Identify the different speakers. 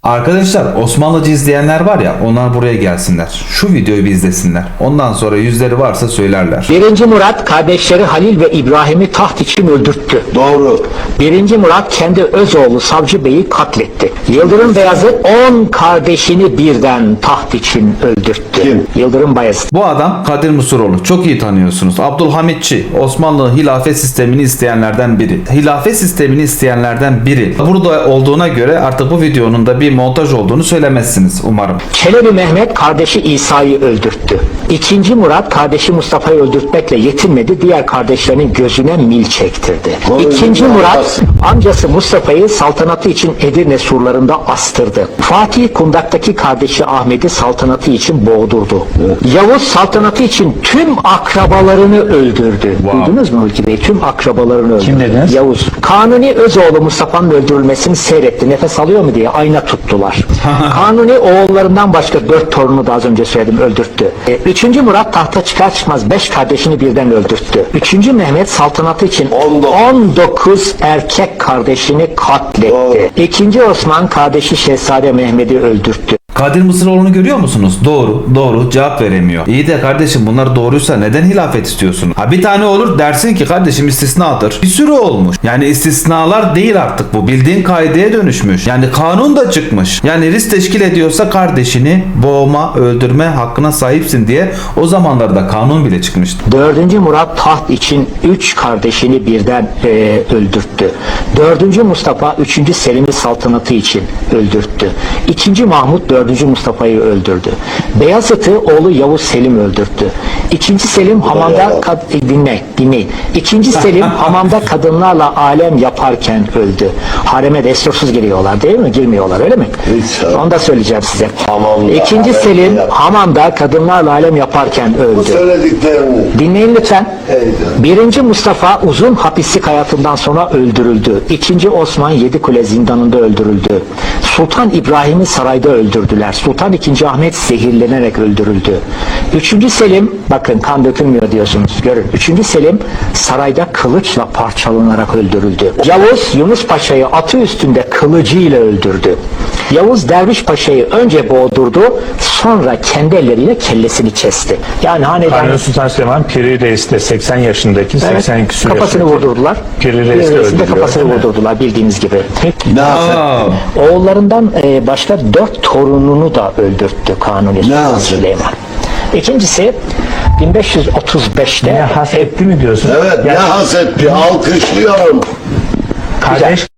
Speaker 1: Arkadaşlar Osmanlıcı izleyenler var ya, onlar buraya gelsinler. Şu videoyu bir izlesinler. Ondan sonra yüzleri varsa söylerler.
Speaker 2: 1. Murat kardeşleri Halil ve İbrahim'i taht için öldürttü.
Speaker 3: Doğru.
Speaker 2: 1. Murat kendi öz oğlu Savcı Bey'i katletti. Yıldırım Beyazıt 10 kardeşini birden taht için öldürttü.
Speaker 3: Kim?
Speaker 2: Yıldırım Bayezid.
Speaker 1: Bu adam Kadir Musuroğlu. Çok iyi tanıyorsunuz. Abdülhamitçi. Osmanlı hilafet sistemini isteyenlerden biri. Hilafet sistemini isteyenlerden biri. Burada olduğuna göre artık bu videonun da bir montaj olduğunu söylemezsiniz umarım.
Speaker 2: Çelebi Mehmet kardeşi İsa'yı öldürttü. 2. Murat kardeşi Mustafa'yı öldürtmekle yetinmedi. Diğer kardeşlerinin gözüne mil çektirdi. 2. Murat amcası Mustafa'yı saltanatı için Edirne surlarında astırdı. Fatih kundaktaki kardeşi Ahmet'i saltanatı için boğdurdu. Yavuz saltanatı için tüm akrabalarını öldürdü. Duydunuz mu Hulki Bey? Tüm akrabalarını öldürdü.
Speaker 4: Kim dediniz?
Speaker 2: Yavuz. Kanuni Özoğlu Mustafa'nın öldürülmesini seyretti. Nefes alıyor mu diye ayna tuttular. Kanuni oğullarından başka 4 torunu da az önce söyledim öldürttü. 3. Murat tahta çıkar çıkmaz 5 kardeşini birden öldürttü. 3. Mehmet saltanatı için 19 erkek kardeşini katletti. 2. Osman kardeşi Şehzade Mehmet'i öldürttü.
Speaker 1: Kadir Mısıroğlu'nu görüyor musunuz? Doğru cevap veremiyor. İyi de kardeşim bunlar doğruysa neden hilafet istiyorsunuz? Ha bir tane olur dersin ki kardeşim istisnadır. Bir sürü olmuş. Yani istisnalar değil artık bu. Bildiğin kaideye dönüşmüş. Yani kanun da çıkmış. Yani risk teşkil ediyorsa kardeşini boğma, öldürme hakkına sahipsin diye o zamanlarda kanun bile çıkmıştı.
Speaker 2: 4. Murat taht için 3 kardeşini birden öldürttü. 4. Mustafa 3. Selim'i saltanatı için öldürttü. 2. Mahmut 4. Mustafa'yı öldürdü. Beyazıt'ı oğlu Yavuz Selim öldürttü. 2. Selim hamamda dinleyin. 2. Selim hamamda kadınlarla alem yaparken öldü. Hareme destursuz giriyorlar değil mi? Girmiyorlar öyle mi?
Speaker 3: Hiç.
Speaker 2: Onu da söyleyeceğim size.
Speaker 3: Hamamda
Speaker 2: 2.
Speaker 3: alem
Speaker 2: Selim
Speaker 3: yap-
Speaker 2: hamamda kadınlarla alem yaparken
Speaker 3: Bu
Speaker 2: öldü.
Speaker 3: söylediklerini.
Speaker 2: Dinleyin lütfen.
Speaker 3: Eyvallah.
Speaker 2: 1. Mustafa uzun hapislik hayatından sonra öldürüldü. 2. Osman Yedikule zindanında öldürüldü. Sultan İbrahim'i sarayda öldürdüler. Sultan II. Ahmet zehirlenerek öldürüldü. 3. Selim, bakın kan dökülmüyor diyorsunuz, görün. 3. Selim sarayda kılıçla parçalanarak öldürüldü. Yavuz Yunus Paşa'yı atı üstünde kılıcıyla öldürdü. Yavuz Derviş Paşa'yı önce boğdurdu, sonra kendi elleriyle kellesini kesti. Yani hanedan...
Speaker 4: Kanuni Sultan Süleyman Piri Reis de 80 yaşındaki, 82 küsur
Speaker 2: kafasını
Speaker 4: yaşındaki.
Speaker 2: vurdurdular.
Speaker 4: Piri Reis de
Speaker 2: Reis'in de
Speaker 4: öldürüyor,
Speaker 2: kafasını
Speaker 4: değil mi?
Speaker 2: vurdurdular bildiğiniz gibi.
Speaker 3: Ne
Speaker 1: Aa,
Speaker 2: Oğullarından başka 4 torununu da öldürttü Kanuni Sultan
Speaker 3: yaptı?
Speaker 2: Süleyman. İkincisi 1535'te
Speaker 4: Ne hasetti mi diyorsun?
Speaker 3: Evet, ne hasetti, alkışlıyorum.
Speaker 4: Kardeş